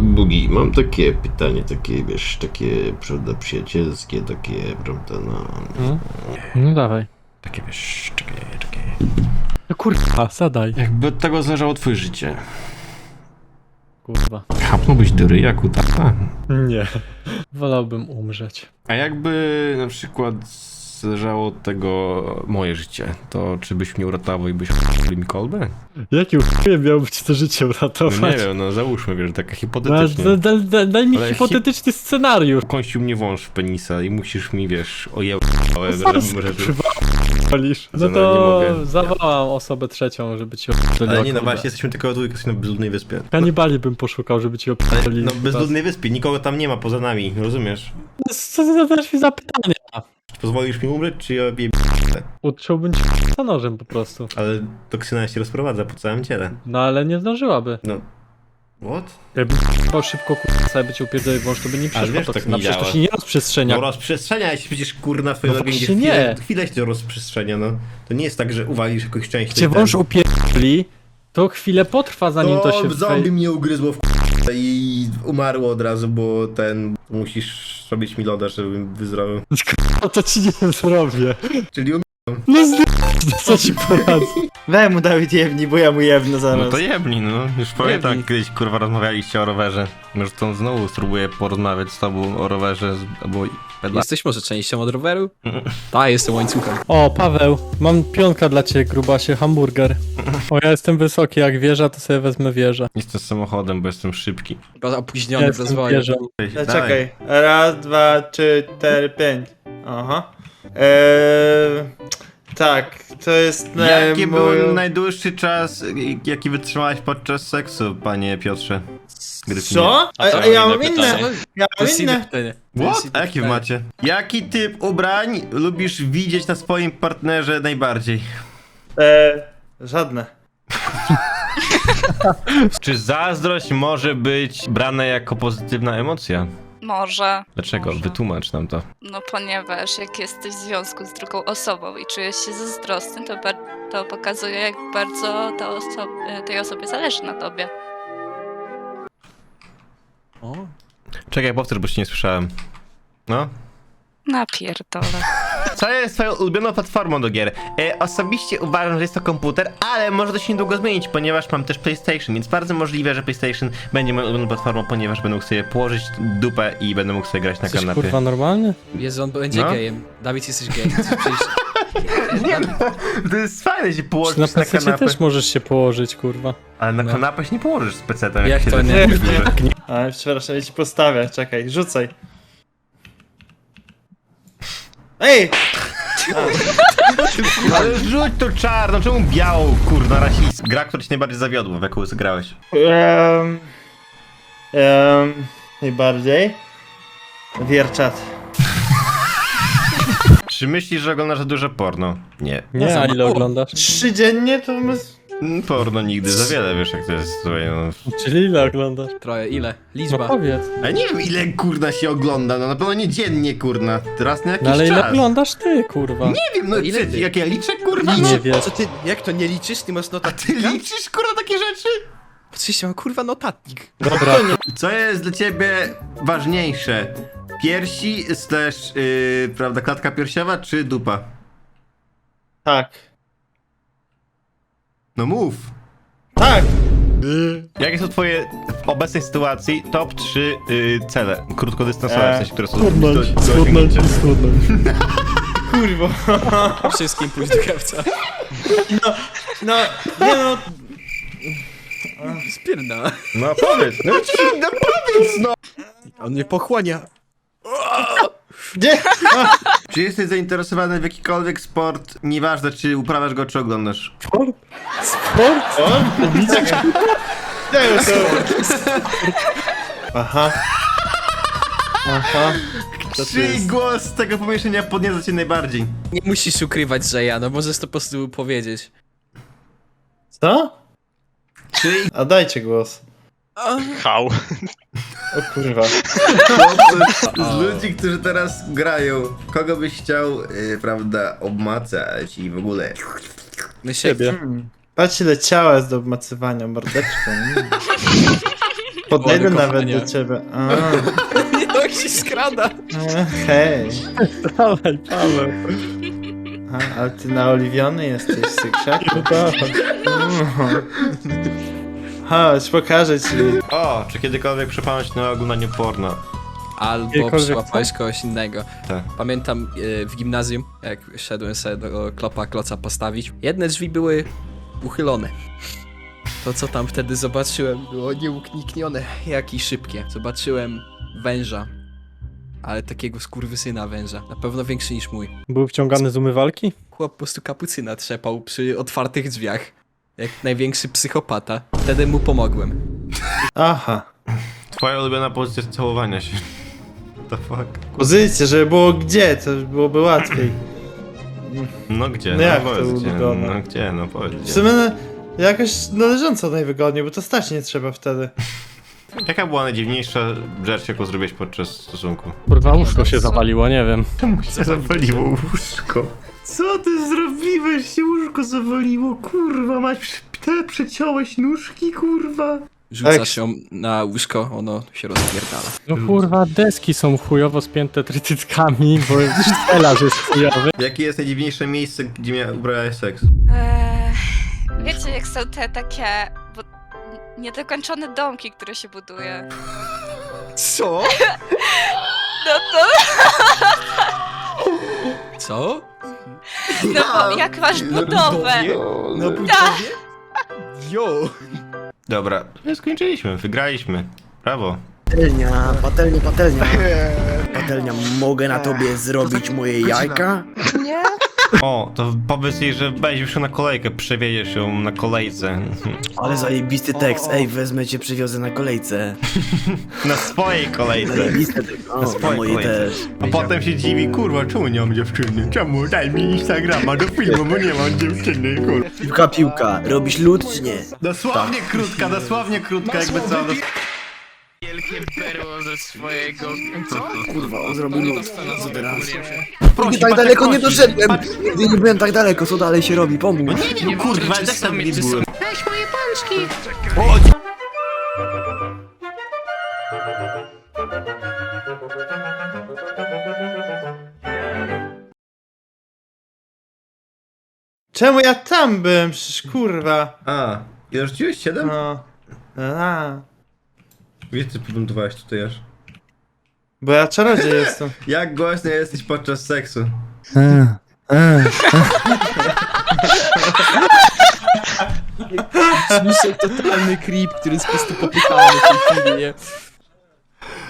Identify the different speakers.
Speaker 1: Bugi, mam takie pytanie, takie, wiesz, takie, prawda, przyjacielskie, takie, prawda, no...
Speaker 2: No dawaj.
Speaker 1: Takie, wiesz, czekaj.
Speaker 2: No kurwa, zadaj.
Speaker 1: Jakby od tego zależało twoje życie.
Speaker 2: Kurwa.
Speaker 1: Chapnąłbyś do ryja, kutasa?
Speaker 2: Nie. Wolałbym umrzeć.
Speaker 1: A jakby na przykład zależało od tego moje życie, to czy byś mnie uratował i byś u***li mi kolbę?
Speaker 2: Jaki chuj miał być to życie
Speaker 1: No
Speaker 2: uratować?
Speaker 1: nie wiem, no załóżmy, wiesz, tak
Speaker 2: No,
Speaker 1: hipotetycznie.
Speaker 2: daj mi
Speaker 1: Ale
Speaker 2: hipotetyczny scenariusz.
Speaker 1: Kąścił mnie wąż w penisa i musisz mi, wiesz,
Speaker 2: Walisz. No
Speaker 1: nie
Speaker 2: to
Speaker 1: mogę.
Speaker 2: zawołam osobę trzecią, żeby ci
Speaker 1: Ale
Speaker 2: oprzeliła.
Speaker 1: nie, no właśnie, jesteśmy tylko dwójkę na bezludnej wyspie.
Speaker 2: Kanibali bym poszukał, żeby ci oprzeli.
Speaker 1: No bezludnej wyspie, nikogo tam nie ma poza nami, rozumiesz?
Speaker 2: Co ty zadasz mi za pytanie?
Speaker 1: Czy pozwolisz mi umrzeć, czy ja wiem?
Speaker 2: Utrzyłbym ci za nożem po prostu.
Speaker 1: Ale toksyna się rozprowadza po całym ciele.
Speaker 2: No ale nie zdążyłaby.
Speaker 1: No... What?
Speaker 2: Jakby chciał szybko sobie by cię upierdolił wąż, to by nie przeszło
Speaker 1: wiesz,
Speaker 2: to
Speaker 1: tak
Speaker 2: na
Speaker 1: nie
Speaker 2: przecież to
Speaker 1: działa.
Speaker 2: się nie rozprzestrzenia.
Speaker 1: No rozprzestrzenia się przecież kurna twoje
Speaker 2: No
Speaker 1: organizm
Speaker 2: właśnie nie.
Speaker 1: chwilę się to rozprzestrzenia, no. To nie jest tak, że uwalisz jakąś część
Speaker 2: Jak cię wąż upierdoli, to chwilę potrwa zanim to się...
Speaker 1: zombie mnie ugryzło w i umarło od razu, bo musisz robić mi loda, żebym wyzdrowił.
Speaker 2: No to ci nie zrobię.
Speaker 1: Czyli
Speaker 2: No co ci poradzę?
Speaker 3: Weź mu Dawid jebni, bo ja mu jebnę zaraz.
Speaker 1: No to jebni, no. Już pamiętam,
Speaker 2: Jebni.
Speaker 1: kiedyś kurwa rozmawialiście o rowerze. Może to znowu spróbuję porozmawiać z tobą o rowerze, albo...
Speaker 4: Jesteś może częścią od roweru? Tak, jestem łańcuchem.
Speaker 2: O, Paweł, mam pionka dla ciebie, grubasie, hamburger. O, ja jestem wysoki, jak wieża, to sobie wezmę wieżę.
Speaker 1: Jestem samochodem, bo jestem szybki.
Speaker 4: Chyba opóźniony
Speaker 2: Ja
Speaker 4: w
Speaker 2: jestem
Speaker 4: rozwoju.
Speaker 2: wieżą.
Speaker 3: No, czekaj. Raz, dwa, trzy, cztery, pięć. Aha. Tak, to jest
Speaker 1: Jaki
Speaker 3: mój...
Speaker 1: był najdłuższy czas, jaki wytrzymałeś podczas seksu, panie Piotrze? Gryfinie?
Speaker 3: Co? A ja mam inne. Ja
Speaker 4: To
Speaker 3: mam
Speaker 4: jest inne
Speaker 3: inne.
Speaker 4: pytanie.
Speaker 1: What? A jakie macie? Jaki typ ubrań lubisz widzieć na swoim partnerze najbardziej?
Speaker 3: Żadne.
Speaker 1: Czy zazdrość może być brana jako pozytywna emocja?
Speaker 5: Może.
Speaker 1: Dlaczego?
Speaker 5: Może.
Speaker 1: Wytłumacz nam to.
Speaker 5: No ponieważ jak jesteś w związku z drugą osobą i czujesz się zazdrosny, to pokazuje, jak bardzo tej osobie zależy na tobie.
Speaker 4: O,
Speaker 1: Czekaj, powtórz, bo się nie słyszałem. No?
Speaker 5: Napierdolę.
Speaker 1: Co jest twoją ulubioną platformą do gier? Osobiście uważam, że jest to komputer, ale może to się niedługo zmienić, ponieważ mam też PlayStation, więc bardzo możliwe, że PlayStation będzie moją ulubioną platformą, ponieważ będę mógł sobie położyć dupę i będę mógł sobie grać na
Speaker 2: Jesteś
Speaker 1: kanapie.
Speaker 2: kurwa normalny?
Speaker 4: Jezu, on będzie
Speaker 1: No.
Speaker 4: gejem. Dawid, jesteś gejem. Przecież...
Speaker 1: Nie, no, to jest fajne się położyć
Speaker 2: Na
Speaker 1: na
Speaker 2: PC
Speaker 1: kanapę.
Speaker 2: też możesz się położyć, kurwa.
Speaker 1: Ale na
Speaker 4: No.
Speaker 1: kanapę się nie położysz z PC-tem,
Speaker 4: Jak
Speaker 1: się
Speaker 4: to nie?
Speaker 1: decydujesz.
Speaker 3: A, przepraszam, ja ci postawię. Czekaj, rzucaj. Ej!
Speaker 1: Ale rzuć to czarno, czemu białą, kurna, rasist? Gra, która ci najbardziej zawiodła, w jaką zagrałeś.
Speaker 3: Najbardziej. Wierczat.
Speaker 1: Czy myślisz, że oglądasz za dużo porno? Nie.
Speaker 2: Nie, a ile oglądasz?
Speaker 3: 3 dziennie to my...
Speaker 1: Porno nigdy za wiele, wiesz jak to jest, słuchaj, no.
Speaker 2: Czyli ile oglądasz?
Speaker 4: Troje, ile?
Speaker 2: No
Speaker 4: Liczba.
Speaker 2: powiedz.
Speaker 1: Ale nie wiem ile kurna się ogląda, no na pewno nie dziennie kurna, raz na jakiś
Speaker 2: No ale ile
Speaker 1: czas.
Speaker 2: oglądasz ty, kurwa?
Speaker 1: Nie wiem, no
Speaker 4: ile
Speaker 1: ile
Speaker 4: ty?
Speaker 1: jak ja liczę kurwa?
Speaker 2: Nie wiesz.
Speaker 4: Co ty, jak to nie liczysz? Ty masz
Speaker 1: A
Speaker 4: notatnik?
Speaker 1: ty liczysz kurwa takie rzeczy?
Speaker 4: Oczywiście mam kurwa notatnik.
Speaker 2: Dobra,
Speaker 1: Co jest dla ciebie ważniejsze? Piersi slash, prawda, klatka piersiowa czy dupa?
Speaker 3: Tak.
Speaker 1: No mów.
Speaker 3: Tak!
Speaker 1: Jakie są twoje w obecnej sytuacji top 3 cele krótkodystansowe, w sensie, które są
Speaker 2: schudnąć,
Speaker 1: do
Speaker 2: schudnąć
Speaker 1: osiągnięcia?
Speaker 2: i schudnąć.
Speaker 3: Kurwo.
Speaker 4: Wszystkim pójść do krawca.
Speaker 3: No, nie no...
Speaker 4: Spierdala.
Speaker 1: No powiedz, no powiedz no!
Speaker 4: On mnie pochłania.
Speaker 3: Nie!
Speaker 1: Czy jesteś zainteresowany w jakikolwiek sport, nieważne czy uprawiasz go czy oglądasz?
Speaker 2: Sport? Sport?
Speaker 3: O? Nie to... Aha. Aha.
Speaker 1: Czyj głos z tego pomieszczenia podnieca cię najbardziej?
Speaker 4: Nie musisz ukrywać, że ja, no możesz to po prostu powiedzieć.
Speaker 3: Co?
Speaker 1: Czyj
Speaker 3: A dajcie głos.
Speaker 6: Hał.
Speaker 3: O kurwa.
Speaker 1: z ludzi, którzy teraz grają, kogo byś chciał, prawda, obmacać i w ogóle?
Speaker 4: Myślę,
Speaker 2: Ciebie.
Speaker 3: Patrz ile ciała jest do obmacywania, mordeczką. Podejdę
Speaker 4: Ładne
Speaker 3: nawet
Speaker 4: kochanie.
Speaker 3: do ciebie.
Speaker 4: Jak się skrada.
Speaker 3: Hej.
Speaker 2: Dawaj, Paweł.
Speaker 3: Ale ty naoliwiony jesteś, sykrzaku. Chodź, pokażę ci.
Speaker 1: O, czy kiedykolwiek przypomnieć na oglądaniu porno?
Speaker 4: Albo
Speaker 2: Jakiekolwiek
Speaker 4: przyłapałeś
Speaker 2: co?
Speaker 4: kogoś innego.
Speaker 1: Tak.
Speaker 4: Pamiętam w gimnazjum, jak szedłem sobie do kloca postawić, jedne drzwi były uchylone. To co tam wtedy zobaczyłem było nieuniknione, jak i szybkie. Zobaczyłem węża, ale takiego skurwysyna węża, na pewno większy niż mój.
Speaker 2: Był wciągany z umywalki?
Speaker 4: Chłop po prostu kapucyna trzepał przy otwartych drzwiach, jak największy psychopata. Wtedy mu pomogłem.
Speaker 3: Aha.
Speaker 1: Twoja ulubiona pozycja całowania się. What the fuck?
Speaker 3: Pozycję, żeby było gdzie, to byłoby łatwiej.
Speaker 1: No gdzie?
Speaker 3: No jak
Speaker 1: powiedz
Speaker 3: to
Speaker 1: gdzie?
Speaker 3: ulubione?
Speaker 1: No gdzie? No powiedz
Speaker 3: W
Speaker 1: gdzie.
Speaker 3: sumie jakoś należąco najwygodniej, bo to stać nie trzeba wtedy.
Speaker 1: Jaka była najdziwniejsza rzecz, jaką zrobiłeś podczas stosunku?
Speaker 2: Kurwa, łóżko się zawaliło, nie wiem.
Speaker 1: Czemu się zawaliło łóżko? Co ty zrobiłeś? Się łóżko zawaliło, kurwa, te przeciąłeś nóżki, kurwa.
Speaker 4: Rzucasz ją na łóżko, ono się rozpierdala.
Speaker 2: No kurwa, deski są chujowo spięte trytytkami, bo stelaż jest chujowy.
Speaker 1: Jakie jest najdziwniejsze miejsce, gdzie ubrałeś seks?
Speaker 5: Wiecie, jak są te takie niedokończone domki, które się buduje?
Speaker 4: Co?
Speaker 5: No to,
Speaker 4: Co?
Speaker 5: no bo jak masz budowę,
Speaker 4: Na budowie? Jo!
Speaker 1: Dobra, skończyliśmy, wygraliśmy. Brawo.
Speaker 6: Patelnia, patelnia, patelnia. Patelnia, mogę na tobie zrobić moje jajka?
Speaker 1: O, to powiedz jej, że weź już na kolejkę, przewieziesz ją na kolejce.
Speaker 6: Ale zajebisty tekst, ej, wezmę cię, przywiozę na kolejce.
Speaker 1: Na swojej kolejce.
Speaker 6: Zajebisty tekst, o, na
Speaker 1: swojej
Speaker 6: mojej
Speaker 1: kolejce.
Speaker 6: też.
Speaker 1: A potem się dziwi, kurwa, czemu nie mam dziewczyny? Czemu? Daj mi Instagrama do filmu, bo nie mam dziewczyny, kurwa.
Speaker 6: Piłka, piłka, robisz lód czy nie?
Speaker 1: Dosłownie krótka, jakby co.
Speaker 6: Kurwa, on zrobił lód. Co teraz?
Speaker 1: Prosi,
Speaker 6: Nigdy tak
Speaker 1: patrz,
Speaker 6: daleko
Speaker 1: jak
Speaker 6: nie
Speaker 1: prosi.
Speaker 6: doszedłem!
Speaker 1: Patrz.
Speaker 6: Nigdy nie byłem tak daleko, co dalej się robi, pomóż.
Speaker 1: Nie, kurwa, też tam nie byłem.
Speaker 3: Czemu ja tam byłem? Przecież kurwa.
Speaker 1: A, ile rzuciłeś? 7?
Speaker 3: No.
Speaker 1: Wiesz, ty podmontowałeś tutaj aż.
Speaker 3: Bo ja czarodziej jestem.
Speaker 1: Jak głośny jesteś podczas seksu?
Speaker 4: Słyszę totalny creep, który jest po prostu popychany w tej chwili, nie?